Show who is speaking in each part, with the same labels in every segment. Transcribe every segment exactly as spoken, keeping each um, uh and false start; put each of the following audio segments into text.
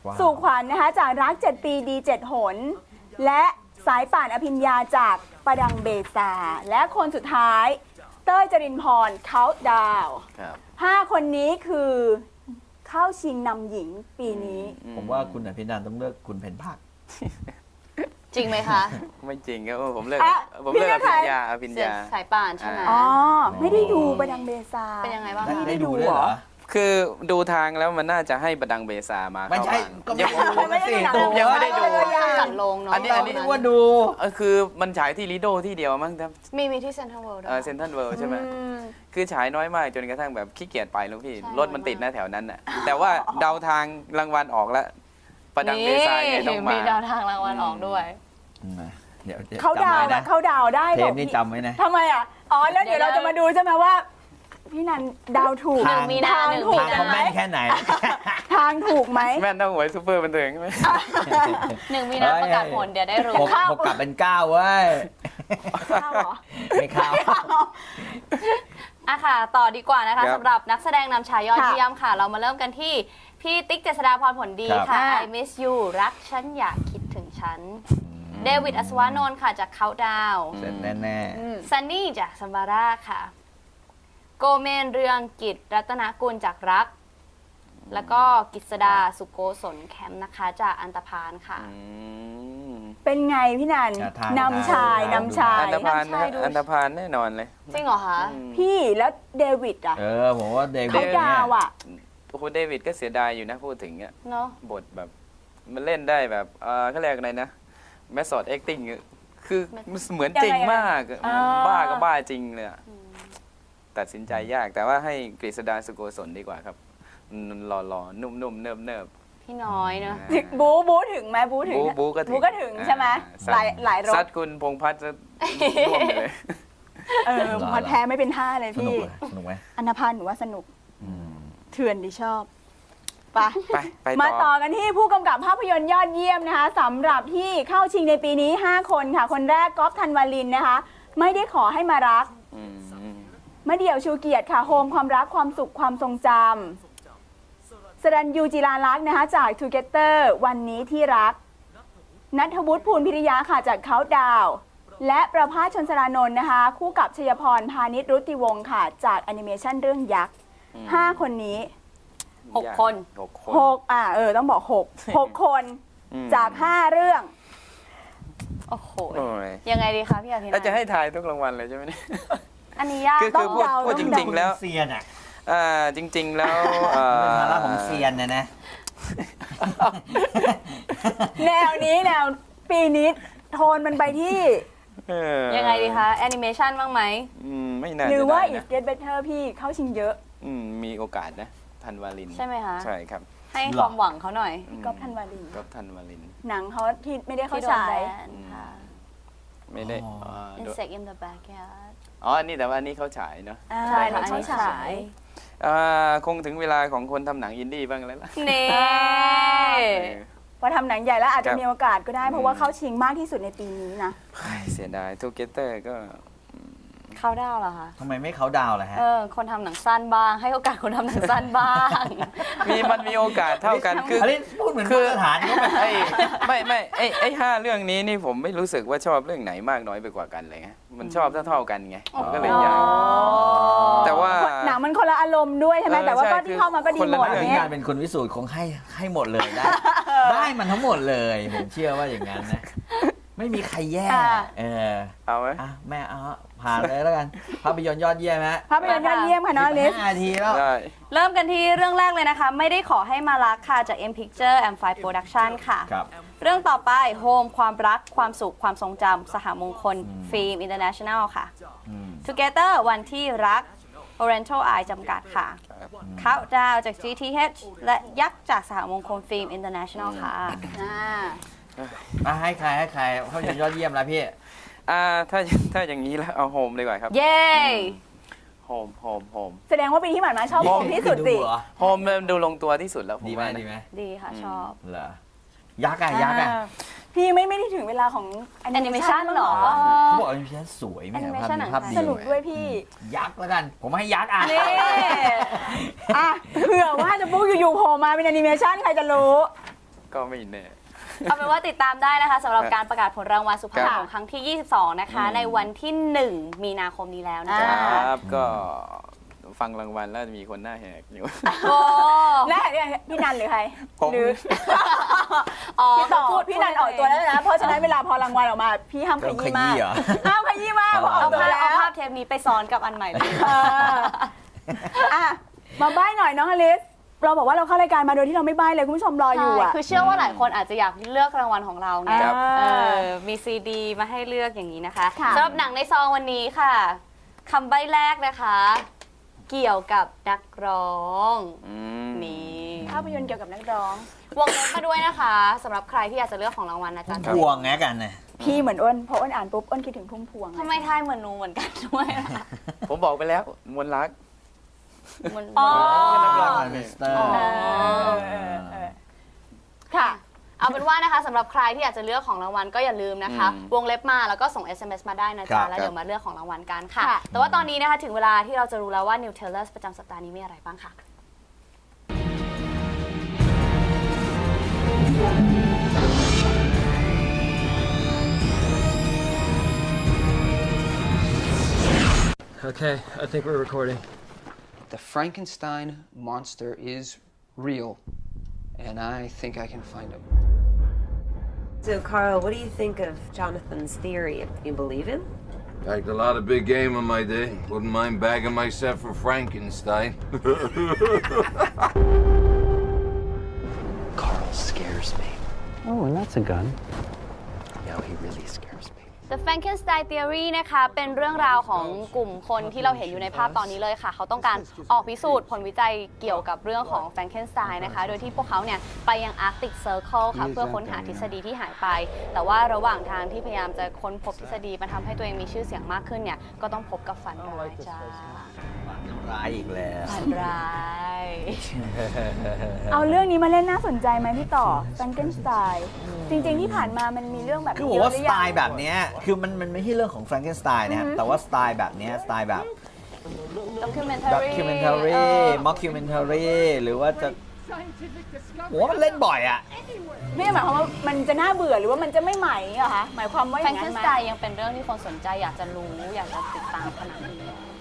Speaker 1: สู่ขวัญนะคะจากรักเจ็ดปีดีเจ็ดหนและสายป่านอภิญญาจากประดังเบซาและคนสุดท้ายเต้ยจรินพรเขาดาวห้าคนนี้คือเข้าชิงนำหญิงปีนี้
Speaker 2: ผมว่าคุณอภินันท์ต้องเลือกคุณเพนภาค
Speaker 3: จริงไหมคะ
Speaker 4: ไม่จริงครับผมเลือกผมเลือกอภิญญาอภิญญา
Speaker 3: สายป่านใช่ไหม
Speaker 1: อ๋อไม่ได้ดูประดังเบซา
Speaker 3: เป็นยังไงบ้าง
Speaker 1: ไม่ได้ดูเหรอ
Speaker 4: คือดูทางแล้วมันน่าจะให้ประดังเบซามา
Speaker 2: ไม่ใช่ก็ไม่ได้ดู
Speaker 4: ยังไม่ได้ดู
Speaker 3: จัดลงเนาะ
Speaker 4: อันนี้อันนี้
Speaker 2: ว่าดู
Speaker 4: คือมันฉายที่ลิโดที่เดียวมั้งครับ
Speaker 3: มีมีที่เซ็นทรัลเวิลด์ด้วย
Speaker 4: เซ็นทรัลเวิลด์ใช่ไหมคือฉายน้อยมากจนกระทั่งแบบขี้เกียจไปแล้วพี่รถมันติดหน้าแถวนั้นน่ะแต่ว่าเดาทางรางวัลออกแล้วประดังเบซาเนี่ยต้องมา
Speaker 3: มีเดาทางรางวัลออกด้วย
Speaker 2: เดี๋ยว
Speaker 1: เขาดาวนะเขาดาวได้
Speaker 2: เทปนี้จำไว้นะ
Speaker 1: ทำไมอ่ะอ๋อแล้วเดี๋ยวเราจะมาดูใช่ไหมว่าพี่นันดาวถูก
Speaker 3: ทางมีทาง
Speaker 1: ถูก
Speaker 2: เขาแม่นแค่ไหน
Speaker 1: ทางถูกไหม
Speaker 4: แม่นต้องหวยซูเปอร์บันเทิงใช่ไหม
Speaker 3: หนึ่งมีนาประกาศผลเดี๋ยวได้รู้
Speaker 2: หกกลับเป็นเก้าเว้ย
Speaker 1: เข้าเหรอ
Speaker 2: ไม่เข้า
Speaker 3: อะค่ะต่อดีกว่านะคะสำหรับนักแสดงนำชายยอดเยี่ยมค่ะเรามาเริ่มกันที่พี่ติ๊กเจษฎาพรผลดีค่ะ I miss you รักฉันอยากคิดถึงฉันเดวิดอัศวานนท์ค่ะจากเขาดาว
Speaker 2: เสร็จแน่
Speaker 3: ๆซันนี่จากซัมบาร่าค่ะโกเมนเรืองกิจรัตนกุลจากรักแล้วก็กิษดาสุโกศลแคมป์นะคะจากอันตพานค่ะ
Speaker 1: เป็นไงพี่นันนำชายนำชาย
Speaker 4: อันตพานอันตพานแน่นอนเลย
Speaker 3: จริงเหรอคะ
Speaker 1: พี่แล้วเดวิดอ่ะ
Speaker 2: เออผมว่าเดวิด
Speaker 1: เขาดาวอ่ะ
Speaker 4: โอ้โหเดวิดก็เสียดายอยู่นะพูดถึงอ่ะ
Speaker 3: เนาะ
Speaker 4: บทแบบมันเล่นได้แบบเออเขาเรียกอะไรนะแมสซอดแอคติ้งคือเหมือนจริงมากบ้าก็บ้าจริงเลยตัดสินใจยากแต่ว่าให้กฤษดาสุโกศลดีกว่าครับหล่อๆนุ่มๆเนิบ
Speaker 3: ๆพี่น้อยเนาะ
Speaker 1: บูบูถึงไหมบูถึง
Speaker 4: บูก็ถึง
Speaker 1: บูก็ถึงใช่ไหมหลายหลายรถ
Speaker 4: ซัดคุณพงษ์พัฒน์จะร่วมเลย
Speaker 1: เออพอแพ้ไม่เป็นท่าเลยพี่
Speaker 2: สนุกไหม
Speaker 1: อันธพาลหนูว่าสนุกเถื่อนดิชอบ
Speaker 4: ไปไป
Speaker 1: มาต่อกันที่ผู้กำกับภาพยนตร์ยอดเยี่ยมนะคะสำหรับที่เข้าชิงในปีนี้ห้าคนค่ะคนแรกก๊อฟธันวาลินนะคะไม่ได้ขอให้มารักมะเดี่ยวชูเกียรติค่ะโฮมความรักความสุขความทรงจำสรัญยูจิราลักษณ์นะคะจาก Together วันนี้ที่รักณัฐวุฒิภูลพิริยะค่ะจากเขาดาวและประภาสชนสรานนท์นะคะคู่กับชยพรพานิชรุติวงศ์ค่ะจากแอนิเมชันเรื่องยักษ์ห้าคนนี้
Speaker 3: หกคน
Speaker 1: หกอ่ะเออต้องบอกหกหกคนจากห้าเรื่อง
Speaker 3: โอ้โหยังไงดีคะพี่อาทิตย์
Speaker 4: เราจะให้ทายทุกรางวัลเลยใช่ไหมเนี่ย
Speaker 3: อันนี้ยาก
Speaker 4: ต้องเดาพูดจริงๆแล้ว
Speaker 2: เซียนอ่ะ
Speaker 4: อ่าจริงๆแล้ว
Speaker 2: เป็นภาระของเซียนนะนะ
Speaker 1: แนวนี้แนวปีนี้โทนมันไปที่
Speaker 3: ยังไงดีคะแอนิเมชันบ้างไหม
Speaker 4: ไม่น่า
Speaker 1: หรือว่า It Get Better พี่เข้าชิงเยอะ
Speaker 4: มีโอกาสนะธันวาลิน
Speaker 3: ใช่ไหมคะ
Speaker 4: ใช่ครับ
Speaker 3: ให้ความหวังเขาหน่อย
Speaker 1: ก๊อฟธันวาลิน
Speaker 4: ก๊อฟธันวาลิน
Speaker 1: หนังเขาที่ไม่ได้เข้าฉาย
Speaker 4: ไม่ได้
Speaker 3: Insect in the Backyard
Speaker 4: อ๋อนี่แต่ว่านี่เขาฉายเนาะ
Speaker 1: ใช่ค่ะเขาฉาย
Speaker 4: คงถึงเวลาของคนทำหนังอินดี้บ้างแล้วล่ะ
Speaker 3: นี่
Speaker 1: พอทำหนังใหญ่แล้วอาจจะมีโอกาสก็ได้เพราะว่าเข้าชิงมากที่สุดในปีนี้นะ
Speaker 4: เสียดาย Together ก็
Speaker 3: เขาดาวเหรอคะ
Speaker 2: ทำไมไม่เขาดาวล่ะฮะ
Speaker 3: เออคนทำหนังสั้นบ้างให้โอกาสคนทำหนังสั้นบ้าง
Speaker 4: มีมันมีโอกาสเท่ากันคือ
Speaker 2: พูดเหมือนมาตรฐานก็
Speaker 4: ไม่ไม่ไม่ไอ้ไอ้ห้าเรื่องนี้นี่ผมไม่รู้สึกว่าชอบเรื่องไหนมากน้อยไปกว่ากันเลยไงมันชอบเท่าๆกันไงมันก็เลยยากแต่ว่า
Speaker 1: หนังมันคนละอารมณ์ด้วยใช่ไหมแต่ว่าก็ที่เข้ามาก็ดีหมด
Speaker 2: เนี่ยการเป็นคนวิสูจน์คงให้ให้หมดเลยได้ได้มันทั้งหมดเลยผมเชื่อว่าอย่างนั้นนะไม่มีใครแย่เออ
Speaker 4: เอาไหม
Speaker 2: แม่เอาผ่านเลยแล้วกันภาพยนตร์ยอดเยี่ยมฮะ
Speaker 1: ภาพยนตร์ยอดเยี่ยมค่ะน้องลิส
Speaker 2: ห้านาทีแล้ว
Speaker 3: เริ่มกันที่เรื่องแรกเลยนะคะไม่ได้ขอให้มารักค่ะจาก M Picture and Five Production ค่ะเรื่องต่อไป Home ความรักความสุขความทรงจำสหมงคลฟิล์ม International ค่ะ Together วันที่รัก Oriental Eye จำกัดค่ะ Countdown จาก จี ที เอช และยักษ์จากสหมงคลฟิล์ม International ค่ะ
Speaker 2: มาให้ใครให้ใครเขายอดเยี่ยมแล้วพี่
Speaker 4: อ่าถ้าถ้าอย่างนี้แล้วเอาโฮมดีกว่าครับ
Speaker 3: เย้
Speaker 4: โฮมโฮมโฮม
Speaker 1: แสดงว่าปีที่ผ่านมาชอบโฮมที่สุดสิ
Speaker 4: โฮมดูลงตัวที่สุดแล้ว
Speaker 2: ดีไหมดีไหม
Speaker 3: ดีค่ะชอบ
Speaker 2: เหรอยักษ์อะยักษ์อะ
Speaker 1: พี่ไม่ไม่ได้ถึงเวลาของแอนิเมชันหรอ
Speaker 2: เขาบอกแอนิเมชันสวยไหม
Speaker 1: ภาพสนุกด้วยพี่
Speaker 2: ยักษ์แล้วกันผมให้ยักษ์อ่ะ
Speaker 1: นี่อ่ะเผื่อว่าจะปุ๊บอยู่ๆโผล่มาเป็นแอนิเมชันใครจะรู้
Speaker 4: ก็ไม่แน่
Speaker 3: เอาเป็นว่าติดตามได้นะคะสำหรับการประกาศผลรางวัลสุภาพ
Speaker 4: ครับ
Speaker 3: ของครั้งที่ ยี่สิบสอง นะคะ ในวันที่ หนึ่ง มีนาคมนี้แล้วนะ
Speaker 1: อ่า
Speaker 3: คะ
Speaker 4: ครับก็ฟังรางวัลแล้วมีคนหน้าแหกอยู่
Speaker 3: โอ้
Speaker 1: แน่เนี่ยพี่นันหรือใคร
Speaker 4: ผม
Speaker 1: หรือ
Speaker 3: อ๋อ
Speaker 1: พี่ต่อ
Speaker 3: พูด
Speaker 1: พี่นันออกตัวแล้วนะ เพราะฉะนั้นเวลาพอรางวัลออกมา พี่ห้ามข
Speaker 2: ต้องข
Speaker 1: ยี้มาก
Speaker 2: ยี้เหรอ
Speaker 1: ห้ามขยี้มาก
Speaker 2: เอา
Speaker 1: ออกตัว
Speaker 3: เอา
Speaker 1: แล้ว
Speaker 3: ภาพเทปนี้ไปซ้อนกับอันใหม่เลย
Speaker 1: เอออ่ะมาใบ้หน่อยน้องอลิสเราบอกว่าเราเข้ารายการมาโดยที่เราไม่ใบ้เลยคุณผู้ชมรออยู่อ่ะ
Speaker 3: ใช่คือเชื่อว่าหลายคนอาจจะอยากเลือกรางวัลของเราไง
Speaker 1: ครับ
Speaker 3: เออมีซีดีมาให้เลือกอย่างนี้นะคะ
Speaker 1: ค่ะ
Speaker 3: สำหรับหนังในซองวันนี้ค่ะคำใบ้แรกนะคะ เกี่ยวกับนักร้อง
Speaker 4: อืม
Speaker 3: นี่
Speaker 1: ภาพยนตร์เกี่ยวกับนักร้อง
Speaker 3: วงเล็บมาด้วยนะคะสำหรับใครที่อยากจะเลือกของรางวัลนะจ๊ะ
Speaker 2: พวงแงกันนะ
Speaker 1: พี่เหมือนอ้นพออ้นอ่านปุ๊บอ้นคิดถึงพุ่มพวงเลย
Speaker 3: ทำไมทายเหมือนหนูเหมือนกันด้วยล่ะ
Speaker 4: ผมบอกไปแล้วมนต์รัก
Speaker 3: มัน
Speaker 1: อ๋อ
Speaker 2: นักร้องมิสเตอร์
Speaker 1: เออเออเออค่ะ
Speaker 3: เอาเป็นว่านะคะสำหรับใครที่อยากจะเลือกของรางวัลก็อย่าลืมนะคะ
Speaker 4: อืม
Speaker 3: วงเล็บมาแล้วก็ส่ง เอส เอ็ม เอส มาได้นะ
Speaker 2: ครั
Speaker 3: จ๊ะ
Speaker 2: บ
Speaker 3: แล้วเดี๋ยวมาเลือกของรางวัลกันค่ะ
Speaker 1: ค่ะ
Speaker 3: แต่ว่าตอนนี้นะคะถึงเวลาที่เราจะรู้แล้วว่า New Tailors ประจำสัปดาห์นี้มีอะไรบ้างค่ะ
Speaker 5: Okay, I think we're recording.
Speaker 6: The Frankenstein monster is real, and I think I can find him.
Speaker 7: So, Carl, what do you think of Jonathan's theory? You believe him?
Speaker 8: Bagged a lot of big game in my day. Wouldn't mind bagging myself for Frankenstein.
Speaker 6: Carl scares me. Oh, and that's a gun. No, he really scares me.
Speaker 3: The Frankenstein Theory นะคะเป็นเรื่องราวของกลุ่มคนที่เราเห็นอยู่ในภาพตอนนี้เลยค่ะเขาต้องการออกพิสูจน์ผลวิจัยเกี่ยวกับเรื่องของ Frankenstein นะคะโดยที่พวกเขาเนี่ยไปยัง Arctic Circle ค่ะเพื่อค้นหาทฤษฎีที่หายไปแต่ว่าระหว่างทางที่พยายามจะค้นพบทฤษฎีมาทำให้ตัวเองมีชื่อเสียงมากขึ้นเนี่ยก็ต้องพบกับฝันร้ายจ้า
Speaker 2: ร้ายอีกแล้ว
Speaker 3: ฝันร้าย
Speaker 1: เอาเรื่องนี้มาเล่นน่าสนใจไหมพี่ต่อ Frankenstein จริงๆที่ผ่านมามันมีเรื่องแบบ
Speaker 2: คือ
Speaker 1: นี้
Speaker 2: ผมว่า
Speaker 1: เย
Speaker 2: ส
Speaker 1: อะหรือ
Speaker 2: ไต
Speaker 1: ยัง
Speaker 2: ล์แบบเนี้ยคือมันมันไม่ใช่เรื่องของแฟรงเกนสไตน์นะครับแต่ว่าสไตล์แบบเนี้ยสไตล์แบบ
Speaker 3: Documentary
Speaker 2: ด็อกิเมนทารีม็อกคิวเมนทารีหรือว่าจะผมว่ามันเล่นบ่อยอ่ะ
Speaker 1: ไม่ได้หมายความว่ามันจะน่าเบื่อหรือว่ามันจะไม่ใหม่เหรอคะหมายความว่าอย่างนั้นไหม
Speaker 3: Frankenstein ยังเป็นเรื่องที่คนสนใจอยากจะรู้อยากจะติดตามขนาดนี้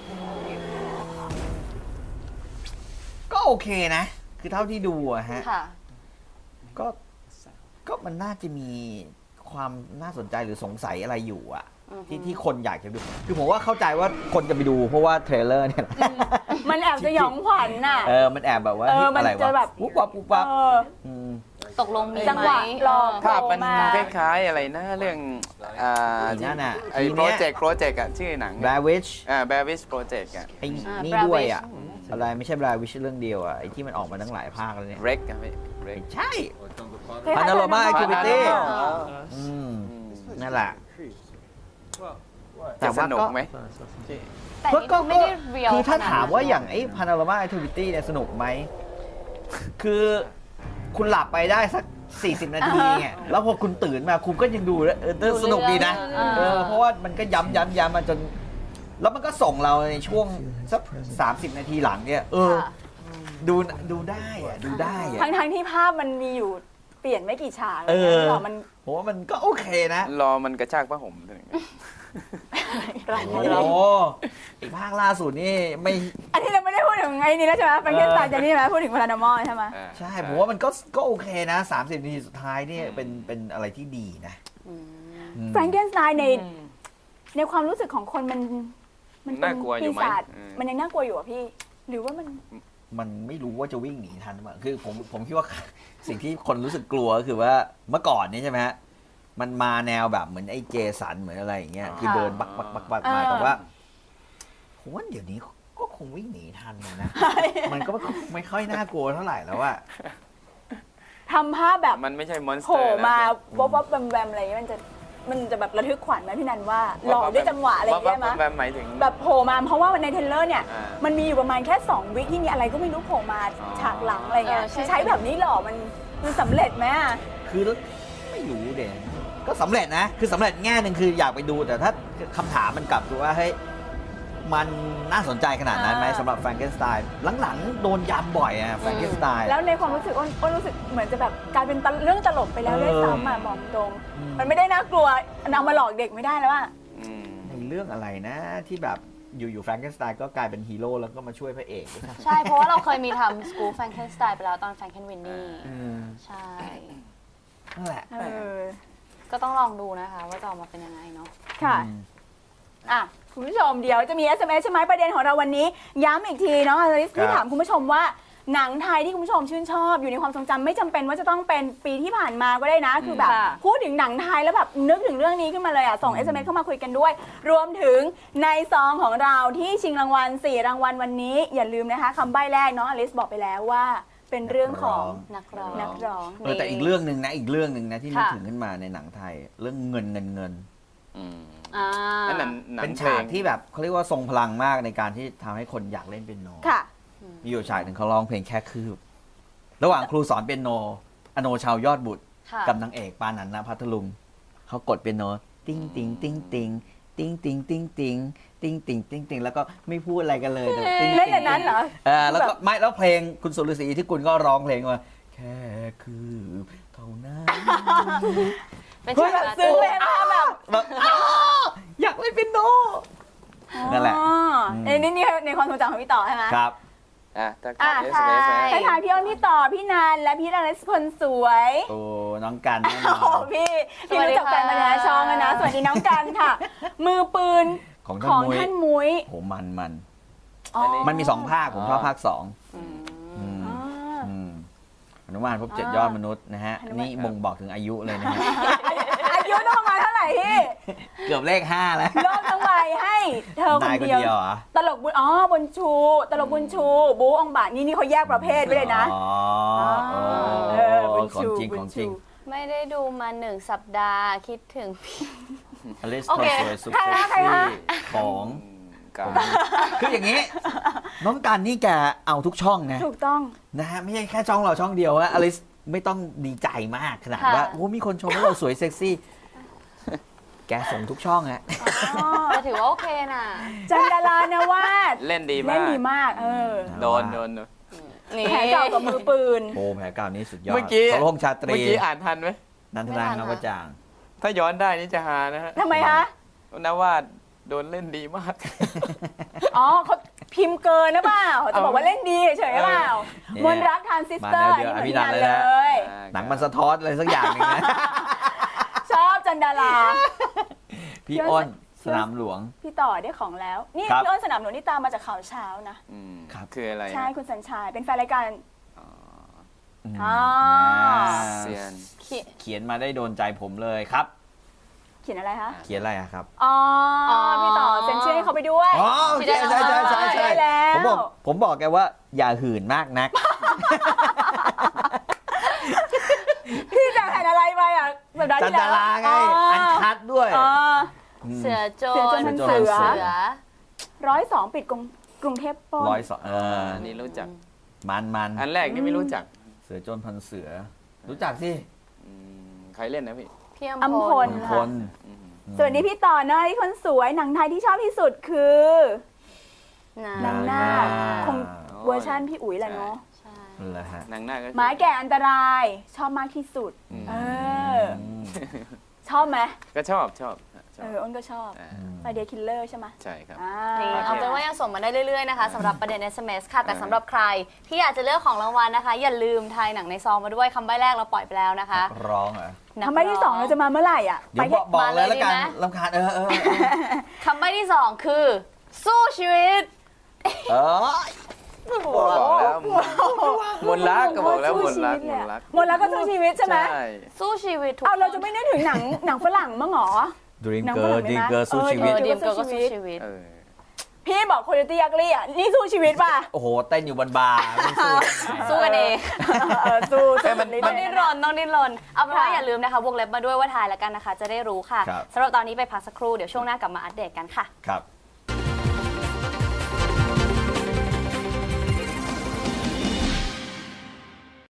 Speaker 2: ก็โอเคนะ คือเท่าที่ดูอะฮะ
Speaker 3: ค่ะ
Speaker 2: ก็ก็มันน่าจะมีความน่าสนใจหรือสงสัยอะไรอยู่อะ
Speaker 3: อือฮึ
Speaker 2: ที่ที่คนอยากจะดู คือผมว่าเข้าใจว่าคนจะไปดูเพราะว่าเทรลเลอร์เนี่ย
Speaker 1: มันแอบสยองขวัญน่ะ
Speaker 2: เออมันแอบแบบว่า
Speaker 1: เออ
Speaker 2: เฮ้ยอะไร
Speaker 1: มันจะ
Speaker 2: วะ
Speaker 1: แบบ
Speaker 2: ปุ๊บปั๊บปุ๊บปั๊บ
Speaker 1: เออ
Speaker 2: ม
Speaker 3: ตกลงมี
Speaker 1: จังหวะ
Speaker 3: ไหม
Speaker 1: รอ
Speaker 3: เ
Speaker 4: ภาพมัน
Speaker 1: โผล่มา
Speaker 4: คล้ายๆอะไรนะเรื่องอ่า
Speaker 2: อีนั่นน่ะ
Speaker 4: ไอ้
Speaker 2: ที
Speaker 4: โปร
Speaker 2: เนี้ย
Speaker 4: เจกต์โปรเจกต์อะชื่อหนัง
Speaker 2: แบวิช
Speaker 4: อ่าแบวิสโปรเจกต์อะ
Speaker 2: ไอ้
Speaker 3: อ่า
Speaker 2: นี่
Speaker 3: Blair
Speaker 2: ด้วย
Speaker 3: Witch
Speaker 2: อ่ะ อะไรไม่ใช่แบวิชเรื่องเดียวอ่ะ ไอ้ที่มันออกมาตั้งหลายภาคแล้วเนี่ย
Speaker 4: เร็กอะพี่เร็ก
Speaker 2: ใช่
Speaker 1: คล้ายๆ
Speaker 2: Panorama
Speaker 1: Panorama
Speaker 2: Activity
Speaker 1: อ๋อ
Speaker 2: อืมนั่นแหละ
Speaker 4: จะสนุกไหม
Speaker 3: แต่
Speaker 2: ก็
Speaker 3: นี่
Speaker 2: ก็
Speaker 3: ดูไม่ได้เรียว
Speaker 2: คือถ้า
Speaker 3: ขนด
Speaker 2: ถามว่า
Speaker 3: นั้น
Speaker 2: อย่างไอ้ Panorama Activity เนี่ยสนุกไหม คือคุณหลับไปได้สัก สี่สิบ นาทีเนี่ยแล้วพอคุณตื่นมาคุณก็ยังดูแล้วเออสนุกดีนะ เออเพราะว่ามันก็ย้ำย้ำย้ำมาจน แล้วมันก็ส่งเราในช่วงสักสามสิบนาทีหลังเนี่ยเออ
Speaker 3: ค่ะ
Speaker 2: ดูดูได้อะดูได้อะ
Speaker 1: ทั้งทั้งๆที่ภาพมันมีอยู่เปลี่ยนไม่กี่ฉาก
Speaker 2: เออ
Speaker 1: หรอมัน
Speaker 2: ผมว่ามันก็โอเคนะ
Speaker 4: รอมันกระชากผ้าห่มถึง
Speaker 2: โอ้โหอีกภาคล่าสุดนี่ไม่
Speaker 1: อันนี้เราไม่ได้พูดถึงไงนี่แล้วใช่ไหมแฟรงเกนสไตน์จะนี่ใช่ไหมพูดถึงพารานอมอลใช่ไหม
Speaker 4: อ่า
Speaker 2: ใช่ผมว่ามันก็ก็โอเคนะสามสิบนาทีสุดท้ายนี่เป็นเป็นอะไรที่ดีนะ
Speaker 3: อืม
Speaker 2: อืม
Speaker 1: แฟรงเกนสไตน์ในในความรู้สึกของคนมันมันเป็น
Speaker 4: น่ากลัวอยู่
Speaker 1: ปี
Speaker 4: ไหม
Speaker 1: ศาจ
Speaker 4: อืม
Speaker 1: มันยังน่ากลัวอยู่อ่ะพี่ หรือว่ามัน
Speaker 2: มันไม่รู้ว่าจะวิ่งหนีทันหรือเปล่าคือผมผมคิดว่า สิ่งที่คนรู้สึกกลัวก็คือว่าเมื่อก่อนนี่ใช่ไหมฮะมันมาแนวแบบเหมือนไอ้เจสันเหมือนอะไรอย่างเงี้ยคือเดินบักบักบักบักมา
Speaker 1: อ่า
Speaker 2: แต่ว่าผมว่าเดี๋ยวนี้ก็คงวิ่งหนีทันนะ มันก็ไม่ค่อยน่ากลัวเท่าไหร่แล้วอะ
Speaker 1: ทำภาพแบบ
Speaker 4: มันไม่ใช่มอนส
Speaker 1: โผ
Speaker 4: เตอ
Speaker 1: ล่
Speaker 4: ร์นะ
Speaker 1: มาวับวับแวมแวมอะไรอย่างเงี้ยมันจะมันจะแบบระทึกขวัญไหมพี่นันว่าหลอกด้วยจังหวะอะไรอย่างเงี้ยไหม
Speaker 4: ว่าแบบหมายถึง
Speaker 1: แบบโผล่มาเพราะว่าในเทรลเลอร์เนี่ย
Speaker 4: อ่ามั
Speaker 1: มันมีอยู่ประมาณแค่สองวิที่มีอะไรก็ไม่รู้โผล่มา
Speaker 4: อ๋อ
Speaker 1: ฉากหลังอะไรเงี้ย
Speaker 3: เออใช่
Speaker 1: ใช้แบบนี้หรอมันมันสำเร็จไหมอะ
Speaker 2: คือไม่รู้เด่นก็สำเร็จนะ คือสำเร็จแง่หนึ่งคืออยากไปดูแต่ถ้าคำถามมันกลับคือว่าเฮ้ยมันน่าสนใจขนาดนั้นไหมสำหรับแฟรงเกนสไตน์หลังๆโดนยำบ่อยอะแฟรงเกนสไตน์
Speaker 1: แล้วในความรู้สึกอ้นอ้นรู้สึกเหมือนจะแบบกลายเป็นเรื่องตลกไปแล้วด้วยซ้ำอ่ะบอกตรง มันไม่ได้น่ากลัวนำมาหลอกเด็กไม่ได้แล้วอ่ะ
Speaker 2: ในเรื่องอะไรนะที่แบบอยู่ๆแฟรงเกนสไตน์ก็กลายเป็นฮีโร่แล้วก็มาช่วยพระเอก
Speaker 3: ใช่ เพราะว่าเราเคยมีทำ School Frankenstein ไปแล้วตอน Frankenweenie ใช่
Speaker 2: นั่นแหละ
Speaker 1: เออ
Speaker 3: ก็ต้องลองดูนะคะว่าจะออกมาเป็นยังไงเนาะ
Speaker 1: ค่ะ อ่ะ คุณผู้ชมเดี๋ยวจะมี เอส เอ็ม เอส ใช่ไหมประเด็นของเราวันนี้ ย้ำอีกทีเนาะอลิสที่ถามคุณผู้ชมว่าหนังไทยที่คุณผู้ชมชื่นชอบอยู่ในความทรงจำไม่จำเป็นว่าจะต้องเป็นปีที่ผ่านมาก็ได้นะ คือแบบ
Speaker 3: ค่ะ
Speaker 1: พูดถึงหนังไทยแล้วแบบนึกถึงเรื่องนี้ขึ้นมาเลยอ่ะส่ง เอส เอ็ม เอส เข้ามาคุยกันด้วย รวมถึงในซองของเราที่ชิงรางวัลสี่รางวัลวันนี้อย่าลืมนะคะคำใบ้แรกน้องอลิสบอกไปแล้วว่าเป็นเรื่องของ
Speaker 3: นักร้อง
Speaker 1: นักร้อง
Speaker 2: เออแต่อีกเรื่องหนึ่งนะอีกเรื่องหนึ่งนะที่นึก
Speaker 3: ค่ะ
Speaker 2: ถึงขึ้นมาในหนังไทย เรื่องเงินเงินเงิน
Speaker 3: อ่า
Speaker 4: นั่นหนังหนัง
Speaker 2: เป็น
Speaker 4: เพล
Speaker 2: ฉาก
Speaker 4: ง
Speaker 2: ที่แบบเขาเรียกว่าทรงพลังมากในการที่ทำให้คนอยากเล่นเปียโน
Speaker 1: ค่ะ
Speaker 2: มีอยู่ฉากหนึ่งเขาร้องเพลงแค่คืบ ระหว่างครูสอนเปียโนอโนชาวยอดบุตร
Speaker 3: ค่ะ
Speaker 2: กับนางเอกปานันท์พัทลุงเขากดเปียโนติ้งติ้งติ้งติ้งติ้งติ้งติ้งติ้งติ้งติ้งติ้งติ้งแล้วก็ไม่พูดอะไรกันเลยแต่ติ้ง
Speaker 1: เล่นแต่นั้นเหรอ
Speaker 2: เออแล้วก็ไม่แล้วเพลงคุณสุรศรีที่คุณก็ร้องเพลงว่าแค่คืบเท่านั้น
Speaker 3: เป็น
Speaker 1: เฮ้ย
Speaker 3: ฉาก
Speaker 1: แบบ
Speaker 3: การ์
Speaker 1: ซึ้ง
Speaker 3: ตู
Speaker 1: เลย
Speaker 3: น
Speaker 1: นะแบบ
Speaker 2: แบบอ้าวอยากเล่นเปียโน นั่นแหละ
Speaker 1: อ๋อในนี่นี่ในความทรงจำของพี่ต่อใช่ไหม
Speaker 2: ครับ
Speaker 4: อ่ะถ้า
Speaker 1: อ่ะ
Speaker 4: เอส
Speaker 1: ใช่
Speaker 4: เอส
Speaker 1: ให้ทายพี่อ้นพี่ต่อพี่นันและพี่อลิสคนสวย
Speaker 2: โอ้น้องกันแน่น
Speaker 1: โอ้
Speaker 2: อ
Speaker 1: โห
Speaker 2: น
Speaker 1: พี่พี่รู้จักกันมาแล้วช่องแล้วนะสวัสดีน้องกันค่ะ มือปืน
Speaker 2: ของ
Speaker 1: ของ
Speaker 2: ท่านมุ้ย
Speaker 1: ท่านมุ้ย
Speaker 2: โหมันมัน
Speaker 1: อ๋อ
Speaker 2: มันมีสองภาคผมชอบภาคสอง
Speaker 3: อืม
Speaker 2: อืม
Speaker 1: อ่า
Speaker 2: อืมหนุมานพบเจ็ด
Speaker 1: อ่าย
Speaker 2: อดมนุษย์นะฮะ
Speaker 1: หนุมาน
Speaker 2: นี่บ่งบอกถึงอายุเลยนะฮะ
Speaker 1: อายุต้องประมาณเท่าไหร่พี่
Speaker 2: เกือบเลขห้าแล้ว
Speaker 1: รอบทั้งใบให้เธอคน
Speaker 2: นายคน
Speaker 1: เดียว
Speaker 2: เดียวเหรอ
Speaker 1: ตลกบุญอ๋อบุญชู ตลกบุญชู บูองบาทนี่นี่เขาแยกประเภทไปเลยนะ
Speaker 2: อ๋อ
Speaker 1: เออบุญ
Speaker 2: ของ
Speaker 1: ชู
Speaker 2: จริง
Speaker 1: บุ
Speaker 2: ข
Speaker 1: ญ
Speaker 2: องจ
Speaker 1: ชู
Speaker 2: ริง
Speaker 3: ไม่ได้ดูมาหนึ่งสัปดาห์คิดถึงพี่
Speaker 2: อลิส
Speaker 3: โอ
Speaker 2: คน
Speaker 3: เค
Speaker 2: สวยสุด
Speaker 1: ใคร
Speaker 2: เซ็ก
Speaker 1: นะใคร
Speaker 2: ซี่
Speaker 1: นะ
Speaker 2: ของ
Speaker 4: กับ
Speaker 2: คืออย่างนี้ น้องกันนี่แกเอาทุกช่องนะ
Speaker 1: ถูกต้อง
Speaker 2: นะฮะไม่ใช่แค่ช่องเราช่องเดียวว่าอลิสไม่ต้องดีใจมากขนาด
Speaker 3: ค่ะ
Speaker 2: ว่าโอ้มีคนชมว่าเราสวยเซ็กซี่ แกส่งทุกช่องฮะ
Speaker 3: แต่ถือว่าโอเคน่ะ
Speaker 1: จันดารานวาด
Speaker 4: เล่นดีมาก
Speaker 1: เล่นดีมาก เออ
Speaker 4: โดนโดนโดน
Speaker 3: นี่
Speaker 1: แผลเก่ากับมือปืน
Speaker 2: โอ้แผลเก่านี้สุดยอด
Speaker 4: เมื่อกี้
Speaker 2: สรพงษ์ชาตรี
Speaker 4: เมื่อกี้อ่านทันไหม
Speaker 2: นันทนางนวจาง
Speaker 4: ถ้าย้อนได้นี่จะหานะฮะ
Speaker 1: ทำไมคะ
Speaker 4: นวาดโดนเล่นดีมาก
Speaker 1: อ๋อเขาพิมพ์เกินนะเปล่าจะบอกว่าเล่นดีเฉยๆหรือเปล่า
Speaker 2: เนี่ย
Speaker 1: มนรักทานซิสเตอร์
Speaker 2: มาแนวเดียว
Speaker 1: นี่เหมือน
Speaker 2: อภินั
Speaker 1: กัน น
Speaker 2: ท์เลย
Speaker 1: เล
Speaker 2: นะ
Speaker 1: ย
Speaker 2: หนังมันสะท้อนอะไรสักอย่างหนึงนะ
Speaker 1: ชอบจันดารา
Speaker 2: พี่อ้นสนามหลวง
Speaker 1: พี่ต่อได้ของแล้ว นี่
Speaker 2: ครับ
Speaker 1: พี่อ้นสนามหลวงนี่ตามมาจากข่าวเช้านะ
Speaker 4: อืม
Speaker 2: ครับ
Speaker 4: คืออะไร
Speaker 1: ใช่คุณสัญชัยเป็นแฟนรายการ
Speaker 2: อืม
Speaker 1: อ๋อ
Speaker 4: เซียน
Speaker 2: เขียนมาได้โดนใจผมเลยครับ
Speaker 1: เขียนอะไรคะ
Speaker 2: เขียนอะไรอะครับ
Speaker 1: อ๋อพี่ต่อเซ็นชื่อให้เขาไปด้วย
Speaker 2: อ๋อโอเคใช่ใช่ใช่ใช่
Speaker 1: ได้แล้ว
Speaker 2: ผมบอกผมบอกแกว่าอย่าหื่นมากนัก
Speaker 1: พี่จะแผ่นอะไรไปอ่ะสัปดาห์
Speaker 2: จัน
Speaker 1: ที่
Speaker 2: ดา
Speaker 1: แล้ว
Speaker 2: ราไง อันคัดด้วย
Speaker 1: อ๋อ
Speaker 2: ม
Speaker 3: เสือโจ
Speaker 1: เสือโจร
Speaker 3: ร
Speaker 1: พัน
Speaker 2: เสื
Speaker 1: เสื
Speaker 2: อ
Speaker 1: อร้อยสองปิดกรุงกรุงเทพปล้น
Speaker 2: ร้อยสองเออ
Speaker 4: อันนี้รู้จัก
Speaker 2: มันมัน
Speaker 4: อันแรกนี่ไม่รู้จัก
Speaker 2: เสือโจรพันเสือ รู้จักสิ
Speaker 4: อืมใครเล่นนะพี่
Speaker 3: พี่
Speaker 1: อั
Speaker 3: อั
Speaker 1: ม
Speaker 3: ม
Speaker 1: พ
Speaker 3: พ
Speaker 1: ล
Speaker 3: ล
Speaker 2: คน
Speaker 4: อืม
Speaker 1: ส่วนนี้พี่ต่อนะที่คนสวยหนังไทยที่ชอบที่สุดคือ
Speaker 3: นะ
Speaker 1: นางนาคคงเวอร์ชันพี่อุ๋ยแหละเนาะ
Speaker 3: ใช่
Speaker 2: นั่นแหละฮะ
Speaker 4: นางหน้าก็
Speaker 1: หมาแก่อันตรายชอบมากที่สุด เออ ชอบไหม
Speaker 4: ก็ชอบชอบชอ
Speaker 1: เอบ ออ้นก็ชอบ
Speaker 4: อ่า
Speaker 1: ไฟเดียคิลเลอร์ใช่ไหม
Speaker 4: ใช่ครับ
Speaker 1: อ่า
Speaker 3: นี่เอาเป็นว่ายังส่งมาได้เรื่อยๆนะคะสำหรับประเด็น เอส เอ็ม เอส ค่ะ แต่สำหรับใครที่อยากจะเลือกของรางวัลนะคะ อย่าลืมทายหนังในซองมาด้วยคำใบ้แรกเราปล่อยไปแล้วนะคะ
Speaker 2: ร้องเหรอ
Speaker 1: ทำไมที่สองเราจะมาเมื่อไหร่อ่ะ
Speaker 2: เดี๋ยวบอกบอกเลยแล้วกัน
Speaker 3: มาเลยดีไหม
Speaker 2: ลำคาญเออเออเออ
Speaker 3: คำใบ้ที่สองคือ สู้ชีวิต
Speaker 2: เออ
Speaker 4: บอกแล้วมนรักก็บอกแล้วมนรักมนรัก
Speaker 1: หมดแล้วก็สู้ชีวิตใช่ไหม
Speaker 4: ใช่
Speaker 3: สู้ชีวิตทุก
Speaker 1: เอาเรา
Speaker 3: คน
Speaker 1: จะไม่นึกถึงหนังหนังฝรั่งมั้งเหรอ
Speaker 2: ดรีม
Speaker 1: หนัง
Speaker 2: เกิ
Speaker 1: ฝรั่
Speaker 2: ร์
Speaker 1: ง
Speaker 2: ด
Speaker 1: ไหม
Speaker 2: รีมเกิร์สู้
Speaker 1: เออ
Speaker 2: ชีวิต
Speaker 3: เออดีมเกิร์ลก็สู้ชีวิต
Speaker 4: เออ
Speaker 1: พี่บอกคุณตี้ยักลี่อ่ะนี่สู้ชีวิตป่ะ
Speaker 2: โอ้โห เต้นอยู่บนบาร์ไม่สู้
Speaker 3: สู้กันเอง
Speaker 1: เออสู้
Speaker 4: แต่มัน
Speaker 1: สู้
Speaker 3: ต้องดิ้นรนต้องดิ้นรนเอาเป็นว่า
Speaker 1: ค่ะ
Speaker 3: อย่าลืมนะคะวงเล็บมาด้วยว่าทายแล้วกันนะคะ จะได้รู้ค่ะ
Speaker 2: ครับ
Speaker 3: สำหรับตอนนี้ไปพักสักครู่เดี๋ยวช่วงหน้ากลับมาอัปเดตกันค่ะ
Speaker 2: ครับ